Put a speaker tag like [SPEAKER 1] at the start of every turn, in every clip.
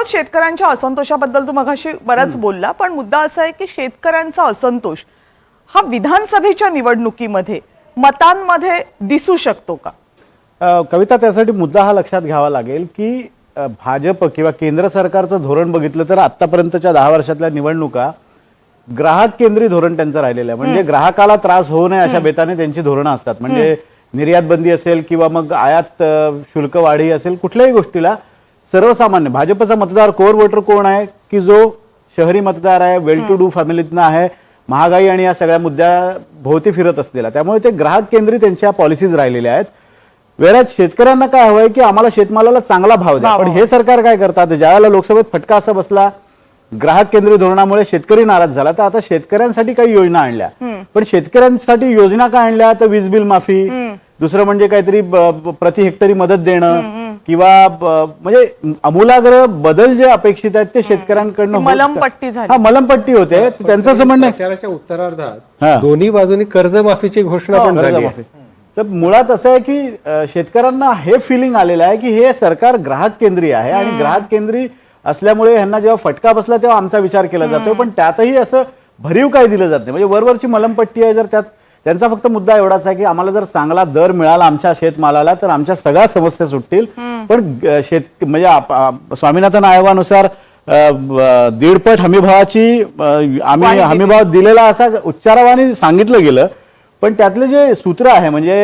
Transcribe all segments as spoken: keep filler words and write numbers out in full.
[SPEAKER 1] रौनक, शेतकऱ्यांच्या असंतोषाबद्दल तू मगाशी बराच बोलला, पण मुद्दा असा आहे की शेतकऱ्यांचा असंतोष हा विधानसभेच्या निवडणुकीमध्ये मतांमध्ये दिसू शकतो का?
[SPEAKER 2] अ, कविता, त्यासाठी मुद्दा हा लक्षात घ्यावा लागेल की अ, भाजप किंवा केंद्र सरकारचं धोरण बघितलं तर आतापर्यंतच्या दहा वर्षातल्या निवडणुका ग्राहक केंद्रीय धोरण त्यांचं राहिलेलं आहे. म्हणजे ग्राहकाला त्रास होऊ नये अशा बेताने त्यांची धोरणं असतात. म्हणजे निर्यात बंदी असेल किंवा मग आयात अ, शुल्क वाढी असेल, कुठल्याही गोष्टीला सर्वसामान्य भाजपचा मतदार कोर वोटर कोण आहे की जो शहरी मतदार आहे, वेल टू डू फॅमिलीतनं आहे, महागाई आणि या सगळ्या मुद्द्या भोवती फिरत असलेला. त्यामुळे ते ग्राहक केंद्रीय त्यांच्या पॉलिसीज राहिलेल्या आहेत. वेळात शेतकऱ्यांना काय हवंय की आम्हाला शेतमालाला चांगला भाव द्या. पण हे सरकार काय करतात, ज्यावेळेला लोकसभेत फटका असा बसला ग्राहक केंद्रीय धोरणामुळे शेतकरी नाराज झाला, तर आता शेतकऱ्यांसाठी काही योजना आणल्या. पण शेतकऱ्यांसाठी योजना काय आणल्या, तर वीज बिल माफी, दुसरं म्हणजे काहीतरी प्रति हेक्टरी मदत देणं किंवा म्हणजे आमूलाग्र बदल जे अपेक्षित आहेत ते शेतकऱ्यांकडनं
[SPEAKER 1] मलमपट्टी झाली.
[SPEAKER 2] हा मलमपट्टी होते. त्यांचं असं म्हणणं
[SPEAKER 3] प्रचाराच्या उत्तरार्धात दोन्ही बाजूनी कर्जमाफीची घोषणा पण झाली आहे.
[SPEAKER 2] तर मुळात असं आहे की शेतकऱ्यांना हे फिलिंग आलेलं आहे की हे सरकार ग्राहक केंद्रीय आहे आणि ग्राहक केंद्रीय असल्यामुळे ह्यांना जेव्हा फटका बसला तेव्हा आमचा विचार केला जातो. पण त्यातही असं भरीव काय दिलं जात नाही. म्हणजे वरवरची मलमपट्टी आहे. जर त्यात त्यांचा फक्त मुद्दा एवढाच आहे की आम्हाला जर चांगला दर मिळाला आमच्या शेतमालाला तर आमच्या सगळ्या समस्या सुटतील. पण शेत म्हणजे स्वामीनाथन आयोगानुसार दीडपट हमीभावाची आम्ही हमीभाव दिलेला असा उच्चारावाने सांगितलं गेलं. पण त्यातले जे सूत्र आहे म्हणजे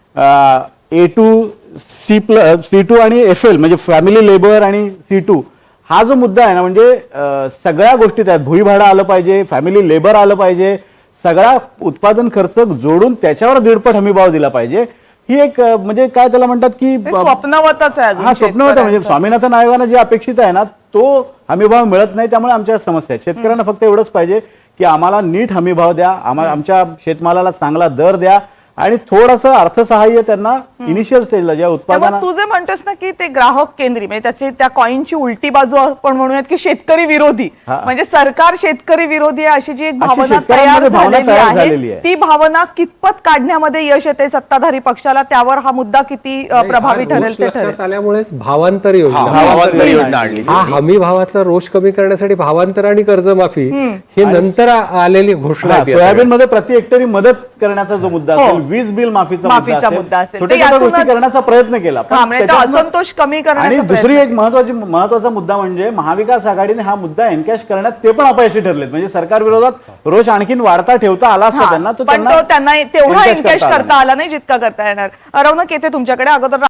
[SPEAKER 2] A two C plus C two आणि एफ एल म्हणजे फॅमिली लेबर आणि सी टू हा जो मुद्दा आहे ना, म्हणजे सगळ्या गोष्टी त्यात भुईभाडं आलं पाहिजे, फॅमिली लेबर आलं पाहिजे, सगळा उत्पादन खर्च जोडून त्याच्यावर दीडपट हमीभाव दिला पाहिजे. ही एक म्हणजे काय त्याला म्हणतात की
[SPEAKER 1] स्वप्नवतच आहे.
[SPEAKER 2] हा स्वप्नवत आहे. म्हणजे स्वामीनाथन आयोगानं जे अपेक्षित आहे ना तो हमीभाव मिळत नाही. त्यामुळे आमच्या समस्या आहेत. शेतकऱ्यांना फक्त एवढंच पाहिजे की आम्हाला नीट हमीभाव द्या, आम्हाला आमच्या शेतमालाला चांगला दर द्या आणि थोडंसं अर्थसहाय्य त्यांना इनिशियल स्टेजला ज्या उत्पादन.
[SPEAKER 1] तू जे म्हणतोस ना की ते ग्राहक केंद्रीय म्हणजे त्याची त्या कॉईनची उलटी बाजू आपण म्हणूयात की शेतकरी विरोधी, म्हणजे सरकार शेतकरी विरोधी आहे अशी जी एक भावना तयार झालेली आहे, ती भावना कितपत काढण्यामध्ये यश येते सत्ताधारी पक्षाला, त्यावर हा मुद्दा किती प्रभावी ठरेल ते ठरेल.
[SPEAKER 3] आल्यामुळेच भावांतर योजना हा हमी भावातला रोष कमी करण्यासाठी भावांतर आणि कर्जमाफी ही नंतर आलेली घोषणा.
[SPEAKER 2] सोयाबीन मध्ये प्रति हेक्टरी मदत करण्याचा जो मुद्दा असेल, वीज बिल माफीचा मुद्दा असेल, छोट्या छोट्या गोष्टी करण्याचा प्रयत्न केला.
[SPEAKER 1] असंतोष कमी
[SPEAKER 2] आणि दुसरी एक महत्वाची महत्वाचा मुद्दा म्हणजे महाविकास आघाडीने हा मुद्दा एनकॅश करण्यात ते पण अपयशी ठरलेत. म्हणजे सरकार विरोधात रोष आणखीन वाढता ठेवता आला असता त्यांना, तो
[SPEAKER 1] त्यांना तेवढा एनकॅश करता आला नाही जितका करता येणार. रौनक येते तुमच्याकडे. अगोदर